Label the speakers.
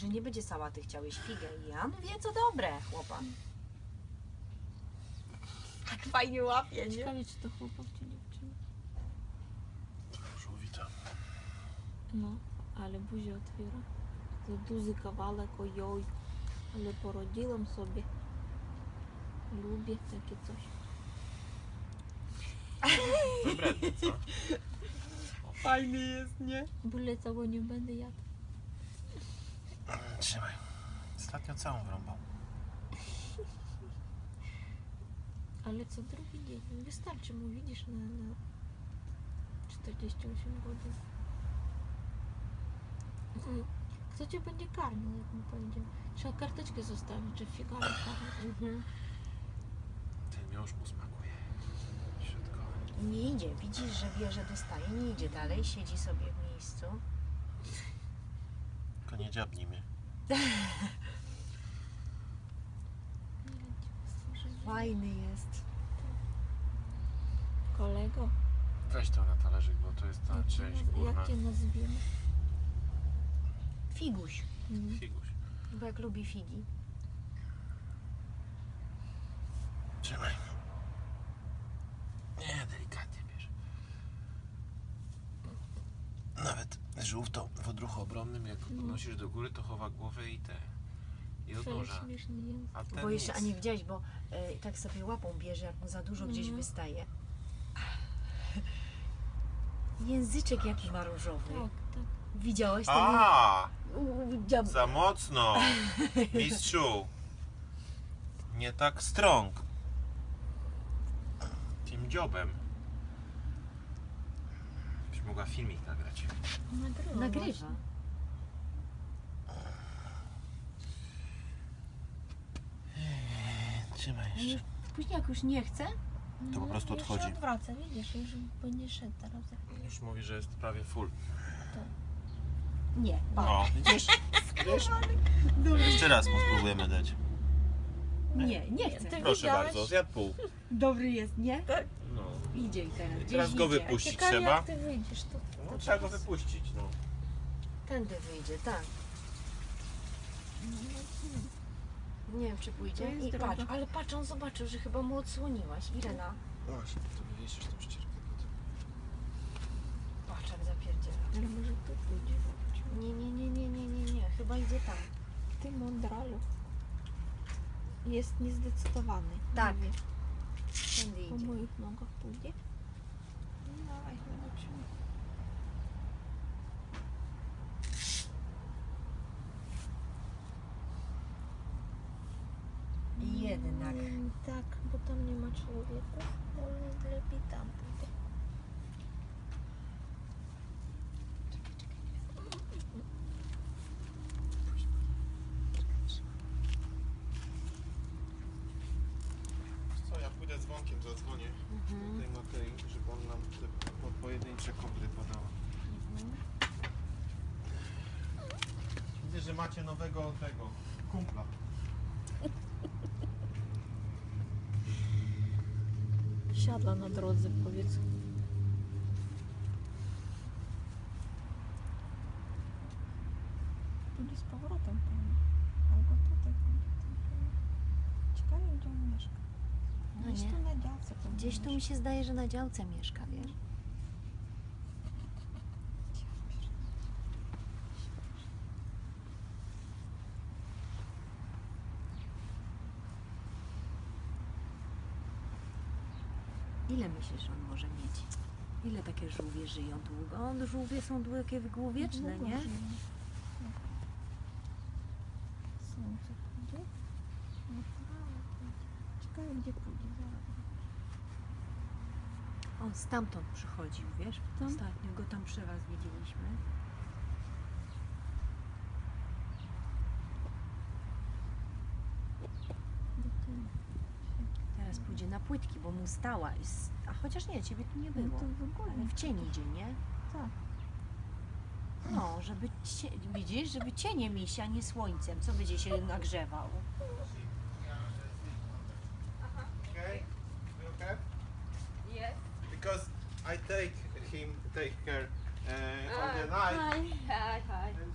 Speaker 1: że nie będzie sałaty, chciałeś figę. I Jan wie, co dobre, chłopak. Tak fajnie łapie, nie?
Speaker 2: Ciekawe, czy to chłopak, czy dziewczyna.
Speaker 3: Żółwita.
Speaker 2: No, ale buzię otwiera. Za duży kawałek, ojoj. Ale porodziłam sobie. Lubię takie coś.
Speaker 3: Wybredny, co?
Speaker 1: Fajny jest, nie?
Speaker 2: Byle całego nie będę jadł.
Speaker 3: Trzymaj. Ostatnio całą wrąbał.
Speaker 2: Ale co drugi dzień. Wystarczy mu, widzisz, na 48 godzin. Kto cię będzie karmił, jak mu powiedział? Trzeba karteczkę zostawić, że figaro karmi.
Speaker 3: Ten miąższ mu smakuje. Środkowy.
Speaker 1: Nie idzie, widzisz, że wie, że dostaje, nie idzie dalej, siedzi sobie w miejscu.
Speaker 3: Tylko nie dziabnij mnie.
Speaker 1: Fajny jest.
Speaker 2: Kolego,
Speaker 3: Weź to na talerzyk, bo to jest ta część górna.
Speaker 2: jak cię nazwiemy?
Speaker 1: Figuś,
Speaker 3: Figuś.
Speaker 1: bo jak lubi figi.
Speaker 3: Trzymaj. Nie, delikatnie bierz. Nawet żółw w odruchu obronnym, jak podnosisz do góry, to chowa głowę i odnurza.
Speaker 2: Śmieszny język.
Speaker 3: A ten
Speaker 1: Bo jeszcze, a
Speaker 3: nic.
Speaker 1: nie widziałeś, bo tak sobie łapą bierze, jak mu za dużo gdzieś wystaje. Języczek jaki ma różowy.
Speaker 2: Tak, tak.
Speaker 1: Widziałeś ten?
Speaker 3: A,
Speaker 1: Dziab...
Speaker 3: za mocno. Mistrzu. Nie tak strong. Tym dziobem. Byś mogła filmik nagrać.
Speaker 1: Nagrywa.
Speaker 3: Trzymaj jeszcze.
Speaker 1: Później jak już nie chce,
Speaker 3: To po prostu
Speaker 2: Już się
Speaker 3: odchodzi.
Speaker 2: odwraca, widzisz, już będzie szedł teraz.
Speaker 3: Już mówi, że jest prawie full.
Speaker 1: nie.
Speaker 3: O, widzisz? Wiesz? Jeszcze raz mu spróbujemy dać.
Speaker 1: Nie chce.
Speaker 2: Ty
Speaker 3: Proszę
Speaker 2: widziałeś?
Speaker 3: bardzo, zjadł pół.
Speaker 1: Dobry jest, nie?
Speaker 3: No.
Speaker 1: Idzie i teraz.
Speaker 3: I
Speaker 1: Gdzieś
Speaker 3: teraz go
Speaker 1: idzie.
Speaker 3: wypuścić
Speaker 2: Ciekawe,
Speaker 3: trzeba.
Speaker 2: jak ty wyjdziesz, to
Speaker 3: No, trzeba go wypuścić, no.
Speaker 1: Tędy wyjdzie, tak. Nie wiem, czy pójdzie.
Speaker 2: To jest
Speaker 1: I
Speaker 2: droga.
Speaker 1: patrz, ale patrz, on zobaczył, że chyba mu odsłoniłaś. Irena,
Speaker 3: Właśnie, to wywiesisz tą ścierkę potem.
Speaker 1: patrz jak zapierdziela.
Speaker 2: ale może tu pójdzie.
Speaker 1: Nie. Chyba idzie tam.
Speaker 2: Ty mądralu. Jest niezdecydowany.
Speaker 1: Tak.
Speaker 2: Nie wie.
Speaker 1: Tędy
Speaker 2: Po
Speaker 1: idzie.
Speaker 2: moich nogach pójdzie. No dawaj, zobaczymy.
Speaker 1: Jednak.
Speaker 2: Tak, bo tam nie ma człowieka. Może lepiej tam pójdzie.
Speaker 3: Co, ja pójdę dzwonkiem, zadzwonię do tej Matei, żeby on nam te pojedyncze kobry podał. Widzę, że macie nowego tego kumpla.
Speaker 2: Siadła na drodze, powiedz. Pójdzie z powrotem pewnie. Albo tutaj pójdzie. Ciekawe, gdzie on mieszka.
Speaker 1: No
Speaker 2: Gdzieś
Speaker 1: nie.
Speaker 2: tu na działce pewnie
Speaker 1: Gdzieś tu mi się zdaje, że na działce mieszka, wiesz? Ile myślisz, on może mieć? Ile takie żółwie żyją długo? Żółwie są takie długowieczne,
Speaker 2: Długo
Speaker 1: nie?
Speaker 2: żyje. Słońce pójdzie? No prawo pójdzie. Ciekawe, gdzie pójdzie zaraz.
Speaker 1: On stamtąd przychodził, wiesz?
Speaker 2: Tam?
Speaker 1: Ostatnio go tam przy was widzieliśmy.
Speaker 2: Do tyłu.
Speaker 1: Teraz pójdzie na płytki, bo mu stała. A chociaż nie, ciebie tu nie
Speaker 2: No
Speaker 1: było.
Speaker 2: to w ogóle.
Speaker 1: Ale w cień idzie, nie?
Speaker 2: Tak.
Speaker 1: No, żeby widzisz, żeby cieniem iść, a nie słońcem. Co będzie się nagrzewał?
Speaker 3: Okay? You okay?
Speaker 4: Yes.
Speaker 3: Because I take care on the night.
Speaker 4: Hi.
Speaker 3: And